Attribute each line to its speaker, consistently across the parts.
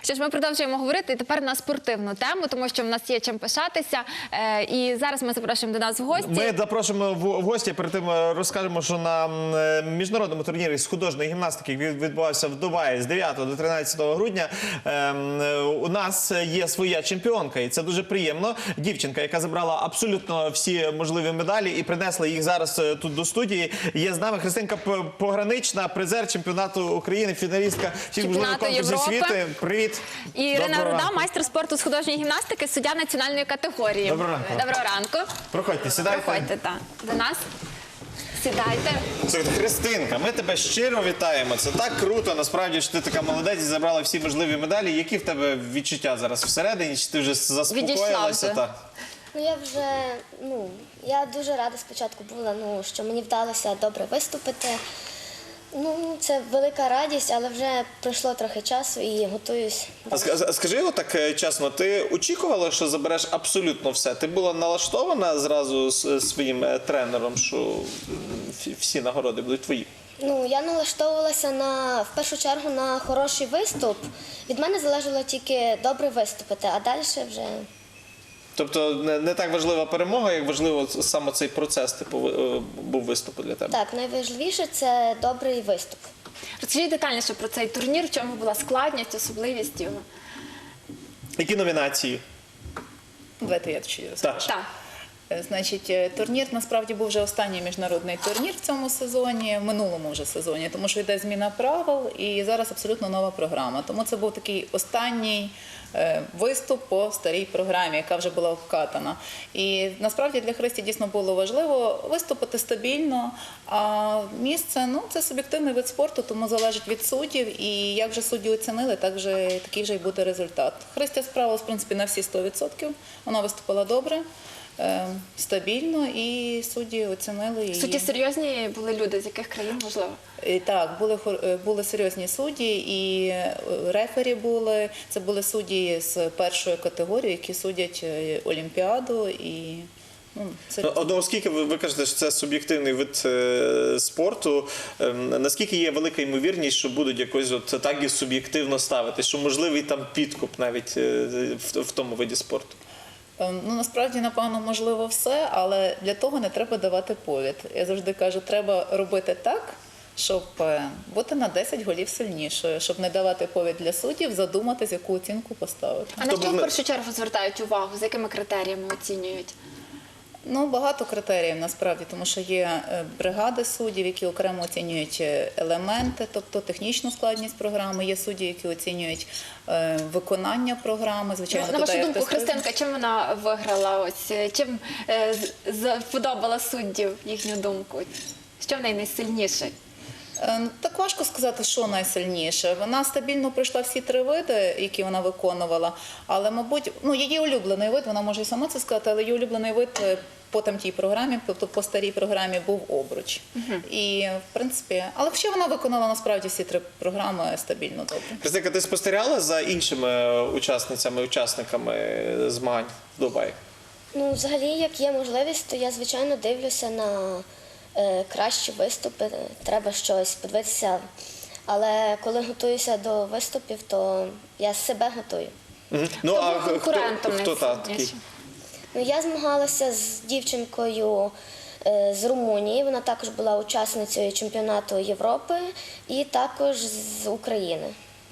Speaker 1: Що ж, ми продовжуємо говорити тепер на спортивну тему, тому що в нас є чим пишатися. І зараз ми запрошуємо до нас в гості.
Speaker 2: Ми запрошуємо в гості, перед тим розкажемо, що на міжнародному турнірі з художньої гімнастики, який відбувався в Дубаї з 9 до 13 грудня, у нас є своя чемпіонка. І це дуже приємно. Дівчинка, яка забрала абсолютно всі можливі медалі і принесла їх зараз тут до студії. Є з нами Христинка Погранична, призер чемпіонату України, фіналістка всіх можливих конкурсів світу. Привіт.
Speaker 1: І Ірина Руда, майстер спорту з художньої гімнастики, суддя національної категорії.
Speaker 2: Доброго ранку.
Speaker 1: Доброго ранку.
Speaker 2: Проходьте, сідайте.
Speaker 1: Проходьте, так. До нас. Сідайте.
Speaker 2: Слухайте, Христинка, ми тебе щиро вітаємо. Це так круто, насправді, що ти така молодець і забрала всі можливі медалі. Які в тебе відчуття зараз всередині? Чи ти вже заспокоїлася?
Speaker 3: Я дуже рада спочатку була, що мені вдалося добре виступити. Це велика радість, але вже пройшло трохи часу і готуюсь.
Speaker 2: А скажи так чесно, ти очікувала, що забереш абсолютно все? Ти була налаштована зразу з своїм тренером, що всі нагороди будуть твої?
Speaker 3: Я налаштовувалася в першу чергу на хороший виступ. Від мене залежало тільки добре виступити, а далі вже...
Speaker 2: Тобто не так важлива перемога, як важливо саме цей процес був виступу для тебе?
Speaker 3: Так, найважливіше – це добрий виступ.
Speaker 1: Розкажіть детальніше про цей турнір, в чому була складність, особливість його.
Speaker 2: Які номінації?
Speaker 4: Давайте я ще розкажу.
Speaker 1: Так.
Speaker 4: Значить, турнір насправді був вже останній міжнародний турнір в цьому сезоні, в минулому вже сезоні, тому що йде зміна правил і зараз абсолютно нова програма. Тому це був такий останній виступ по старій програмі, яка вже була вкатана. І насправді для Христі дійсно було важливо виступити стабільно, а місце, це суб'єктивний вид спорту, тому залежить від суддів, і як вже судді оцінили, такий вже й буде результат. Христя справилась, в принципі, на всі 100%, вона виступила добре. Стабільно, і судді оцінили її.
Speaker 1: Судді серйозні були люди, з яких країн, можливо?
Speaker 4: Так, були серйозні судді, і рефері були. Це були судді з першої категорії, які судять Олімпіаду.
Speaker 2: Оскільки ви кажете, що це суб'єктивний вид спорту, наскільки є велика ймовірність, що будуть якось так і суб'єктивно ставити, що можливий там підкуп навіть в тому виді спорту?
Speaker 4: Насправді, напевно, можливо все, але для того не треба давати повід. Я завжди кажу, треба робити так, щоб бути на 10 голів сильнішою, щоб не давати повід для суддів, задуматись, яку оцінку поставити.
Speaker 1: А на що в першу чергу звертають увагу? За якими критеріями оцінюють?
Speaker 4: Багато критеріїв насправді, тому що є бригади суддів, які окремо оцінюють елементи, тобто технічну складність програми, є судді, які оцінюють виконання програми, звичайно.
Speaker 1: На вашу думку, Христинка, чим вона виграла? Чим сподобала суддів їхню думку? Що в неї найсильніше?
Speaker 4: Так важко сказати, що найсильніше. Вона стабільно пройшла всі 3 види, які вона виконувала, але, мабуть, її улюблений вид, вона може і сама це сказати, але її улюблений вид по тій програмі, тобто по старій програмі, був обруч. І, в принципі, але ще вона виконала насправді всі 3 програми стабільно добре.
Speaker 2: Христинка, ти спостерігала за іншими учасниками змагань в Дубаї?
Speaker 3: Взагалі, як є можливість, то я, звичайно, дивлюся на кращі виступи, треба щось подивитися. Але коли готуюся до виступів, то я себе готую.
Speaker 1: Хто був конкурентом найсильнішим?
Speaker 3: Я змагалася з дівчинкою з Румунії, вона також була учасницею чемпіонату Європи і також з України.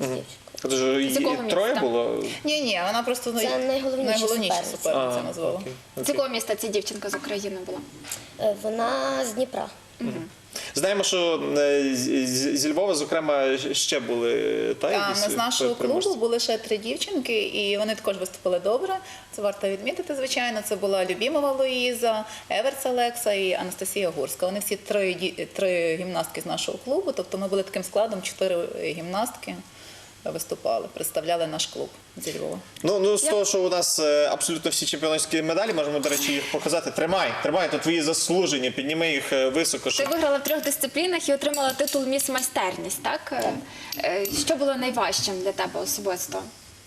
Speaker 2: Їх 3 було?
Speaker 4: Ні, вона просто
Speaker 3: це найголовніша
Speaker 4: суперниця назвала.
Speaker 1: З якого міста ця дівчинка з України була?
Speaker 3: Вона з Дніпра.
Speaker 2: Знаємо, що зі Львова, зокрема, ще були
Speaker 4: з нашого клубу були ще 3 дівчинки, і вони також виступили добре. Це варто відмітити, звичайно. Це була Любімова Луїза, Еверц Олекса і Анастасія Гурська. Вони всі 3 гімнастки з нашого клубу, тобто ми були таким складом, 4 гімнастки виступали, представляли наш клуб зі Львова.
Speaker 2: З того, що у нас абсолютно всі чемпіонські медалі, можемо, до речі, їх показати. Тримай, то твої заслужені, підніми їх високо.
Speaker 1: Ти виграла в 3 дисциплінах і отримала титул «Міс Майстерність», так? Що було найважчим для тебе особисто?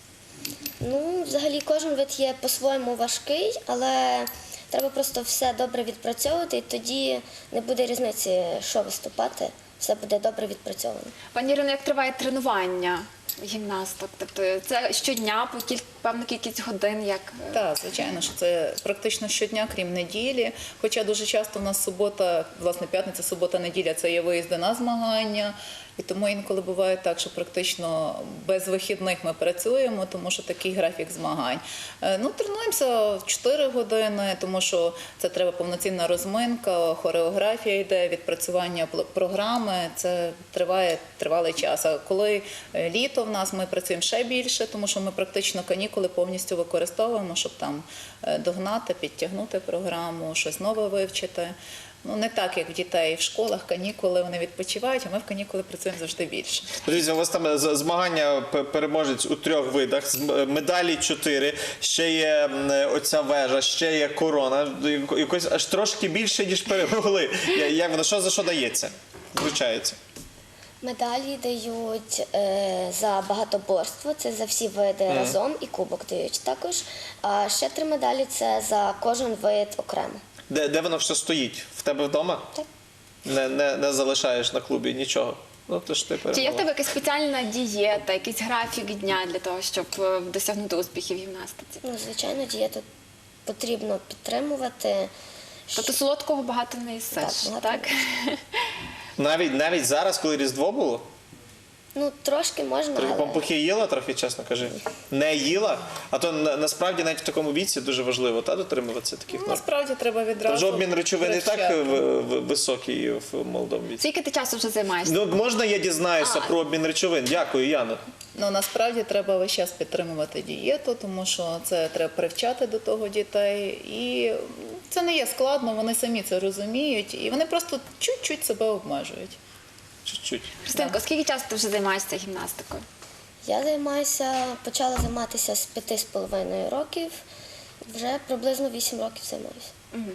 Speaker 3: Взагалі, кожен вид є по-своєму важкий, але треба просто все добре відпрацьовувати, і тоді не буде різниці, що виступати. Все буде добре відпрацьовано.
Speaker 1: Пані Ірино, як триває тренування гімнасток? Тобто це щодня по певну кількість годин, як
Speaker 4: Так, звичайно, що це практично щодня, крім неділі. Хоча дуже часто в нас субота, власне, п'ятниця, субота, неділя – це є виїзди на змагання. І тому інколи буває так, що практично без вихідних ми працюємо, тому що такий графік змагань. Тренуємося 4 години, тому що це треба повноцінна розминка, хореографія йде, відпрацювання програми. Це триває тривалий час. А коли літо в нас, ми працюємо ще більше, тому що ми практично канікули повністю використовуємо, щоб там догнати, підтягнути програму, щось нове вивчити. Не так, як в дітей в школах, канікули, вони відпочивають, а ми в канікули працюємо завжди більше.
Speaker 2: Дивіться, у вас там змагання переможець у 3 видах, медалі 4, ще є оця вежа, ще є корона, якось аж трошки більше, ніж перемогли. Як воно, що за що дається? Вручається?
Speaker 3: Медалі дають за багатоборство, це за всі види разом, і кубок дають також. А ще 3 медалі – це за кожен вид окремо.
Speaker 2: Де воно все стоїть? В тебе вдома?
Speaker 3: Так.
Speaker 2: Не залишаєш на клубі нічого? То ж ти
Speaker 1: чи є в
Speaker 2: перемогла.
Speaker 1: тебе якась спеціальна дієта, якийсь графік дня для того, щоб досягнути успіхів в гімнастиці?
Speaker 3: Звичайно, дієту потрібно підтримувати.
Speaker 1: Тобто солодкого багато не їсиш,
Speaker 3: Так,
Speaker 1: так?
Speaker 3: багато
Speaker 2: Навіть зараз, коли Різдво було?
Speaker 3: Трошки можна,
Speaker 2: Трохи
Speaker 3: але
Speaker 2: пампухи їла, трохи, чесно кажи. Не їла? А то насправді навіть в такому віці дуже важливо дотримуватися таких норм.
Speaker 4: Насправді треба відразу
Speaker 2: Вже обмін речовин і так
Speaker 4: вивчати.
Speaker 2: високий в молодому віці.
Speaker 1: Скільки ти часу вже займаєшся?
Speaker 2: Можна я дізнаюся про обмін речовин? Дякую, Яна.
Speaker 4: Насправді треба весь час підтримувати дієту, тому що це треба привчати до того дітей. І це не є складно, вони самі це розуміють, і вони просто чуть-чуть себе обмежують.
Speaker 2: Чуть-чуть.
Speaker 1: Христинко, скільки часу ти вже займаєшся гімнастикою?
Speaker 3: я почала займатися з 5,5 років, вже приблизно 8 років займаюся.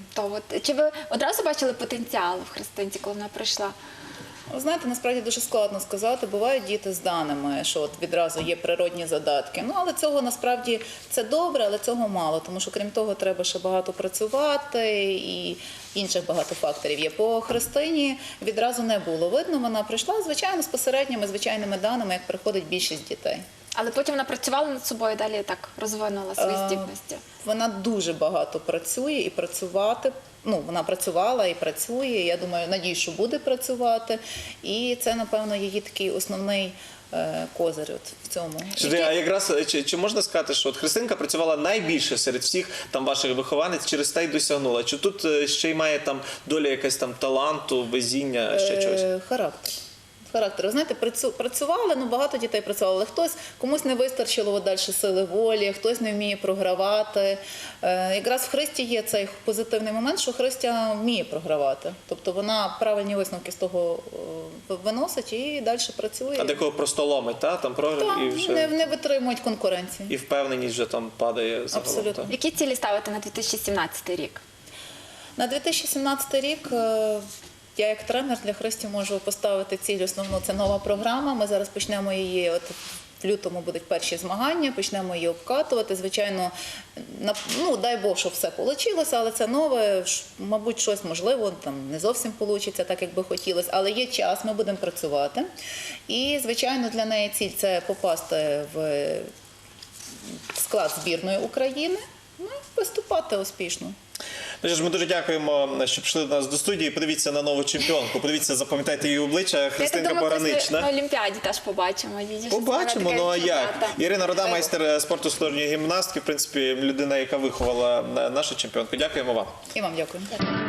Speaker 1: Чи ви одразу бачили потенціал в Христинці, коли вона прийшла?
Speaker 4: Ви знаєте, насправді дуже складно сказати. Бувають діти з даними, що от відразу є природні задатки. Але цього насправді це добре, але цього мало, тому що крім того треба ще багато працювати і інших багато факторів є. По Христині відразу не було видно. Вона прийшла, звичайно, з посередніми, звичайними даними, як приходить більшість дітей.
Speaker 1: Але потім вона працювала над собою, далі так розвинула свої здібності.
Speaker 4: Вона дуже багато працює і працювати. Вона працювала і працює, я думаю, надію, що буде працювати. І це, напевно, її такий основний козир в цьому.
Speaker 2: А якраз чи можна сказати, що от Христинка працювала найбільше серед всіх там ваших вихованець, через те й досягнула? Чи тут ще й має там доля якась там таланту, везіння, ще чогось?
Speaker 4: Характер. Ви знаєте, працювали, багато дітей працювали, але комусь не вистачило далі сили волі, хтось не вміє програвати. Якраз в Христі є цей позитивний момент, що Христя вміє програвати. Тобто вона правильні висновки з того виносить і далі працює.
Speaker 2: А декого просто ломить, там програв і вже...
Speaker 4: Не витримують конкуренції.
Speaker 2: І впевненість вже там падає загалом.
Speaker 4: Абсолютно.
Speaker 1: Які цілі ставити на 2017 рік?
Speaker 4: На 2017 рік я як тренер для Христі можу поставити ціль основну – це нова програма. Ми зараз почнемо її, в лютому будуть перші змагання, почнемо її обкатувати. Звичайно, дай Бог, щоб все вийшло, але це нове, мабуть, щось можливо, не зовсім вийде, так, як би хотілося. Але є час, ми будемо працювати. І, звичайно, для неї ціль – це попасти в склад збірної України, і виступати успішно.
Speaker 2: Ми дуже дякуємо, що прийшли до нас до студії. Подивіться на нову чемпіонку. Подивіться, запам'ятайте її обличчя. Христинка Погранична.
Speaker 1: На Олімпіаді теж побачимо.
Speaker 2: Побачимо, а як? Ірина Рода, майстер спорту з художньої гімнастики, в принципі, людина, яка виховала нашу чемпіонку. Дякуємо вам.
Speaker 4: І вам дякую.